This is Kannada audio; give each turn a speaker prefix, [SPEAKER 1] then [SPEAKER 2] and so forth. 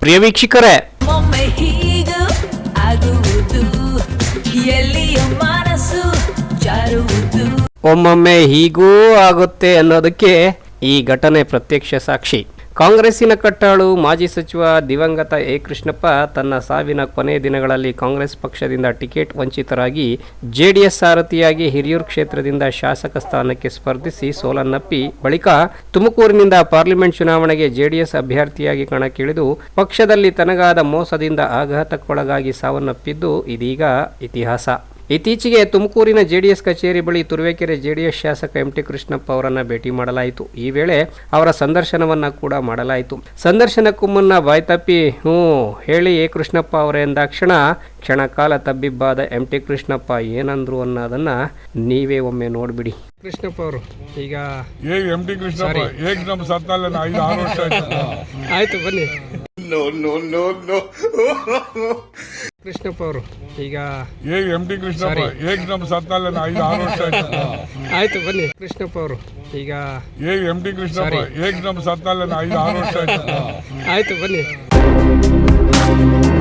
[SPEAKER 1] ಪ್ರಿಯ ವೀಕ್ಷಕರೇ, ಒಮ್ಮೊಮ್ಮೆ ಹೀಗೂ ಆಗುತ್ತೆ ಅನ್ನೋದಕ್ಕೆ ಈ ಘಟನೆ ಪ್ರತ್ಯಕ್ಷ ಸಾಕ್ಷಿ. ಕಾಂಗ್ರೆಸ್ಸಿನ ಕಟ್ಟಾಳು ಮಾಜಿ ಸಚಿವ ದಿವಂಗತ ಎ ಕೃಷ್ಣಪ್ಪ ತನ್ನ ಸಾವಿನ ಕೊನೆಯ ದಿನಗಳಲ್ಲಿ ಕಾಂಗ್ರೆಸ್ ಪಕ್ಷದಿಂದ ಟಿಕೆಟ್ ವಂಚಿತರಾಗಿ ಜೆಡಿಎಸ್ ಸಾರಥಿಯಾಗಿ ಹಿರಿಯೂರು ಕ್ಷೇತ್ರದಿಂದ ಶಾಸಕ ಸ್ಥಾನಕ್ಕೆ ಸ್ಪರ್ಧಿಸಿ ಸೋಲನ್ನಪ್ಪಿ ಬಳಿಕ ತುಮಕೂರಿನಿಂದ ಪಾರ್ಲಿಮೆಂಟ್ ಚುನಾವಣೆಗೆ ಜೆಡಿಎಸ್ ಅಭ್ಯರ್ಥಿಯಾಗಿ ಕಣಕ್ಕಿಳಿದು ಪಕ್ಷದಲ್ಲಿ ತನಗಾದ ಮೋಸದಿಂದ ಆಘಾತಕ್ಕೊಳಗಾಗಿ ಸಾವನ್ನಪ್ಪಿದ್ದು ಇದೀಗ ಇತಿಹಾಸ. ಇತ್ತೀಚೆಗೆ ತುಮಕೂರಿನ ಜೆಡಿಎಸ್ ಕಚೇರಿ ಬಳಿ ತುರುವೇಕೆರೆ ಜೆಡಿಎಸ್ ಶಾಸಕ ಎಂಟಿ ಕೃಷ್ಣಪ್ಪ ಅವರನ್ನ ಭೇಟಿ ಮಾಡಲಾಯಿತು. ಈ ವೇಳೆ ಅವರ ಸಂದರ್ಶನವನ್ನ ಕೂಡ ಮಾಡಲಾಯಿತು. ಸಂದರ್ಶನಕ್ಕೂ ಮುನ್ನ ಬಾಯ್ತಪ್ಪಿ ಹೇಳಿ ಎ ಕೃಷ್ಣಪ್ಪ ಅವರೇ ಎಂದಾಕ್ಷಣ ಕ್ಷಣಕಾಲ ತಬ್ಬಿಬ್ಬಾದ ಎಂಟಿ ಕೃಷ್ಣಪ್ಪ ಏನಂದ್ರು ಅನ್ನೋದನ್ನ ನೀವೇ ಒಮ್ಮೆ ನೋಡ್ಬಿಡಿ. ಕೃಷ್ಣಪ್ಪ ಅವರು ಈಗ
[SPEAKER 2] ಎಂಟಿ ಕೃಷ್ಣಪ್ಪ ಆಯ್ತು ಬನ್ನಿ.
[SPEAKER 1] ಕೃಷ್ಣಪ್ಪ ಅವರು ಈಗ
[SPEAKER 2] ಎಂಟಿ ಕೃಷ್ಣಪ್ಪ
[SPEAKER 1] ಆಯ್ತು ಬನ್ನಿ. ಕೃಷ್ಣಪ್ಪ ಅವರು ಈಗ
[SPEAKER 2] ಎಂಟಿ ಕೃಷ್ಣಪ್ಪ 6 ವರ್ಷ
[SPEAKER 1] ಆಯ್ತು ಬನ್ನಿ.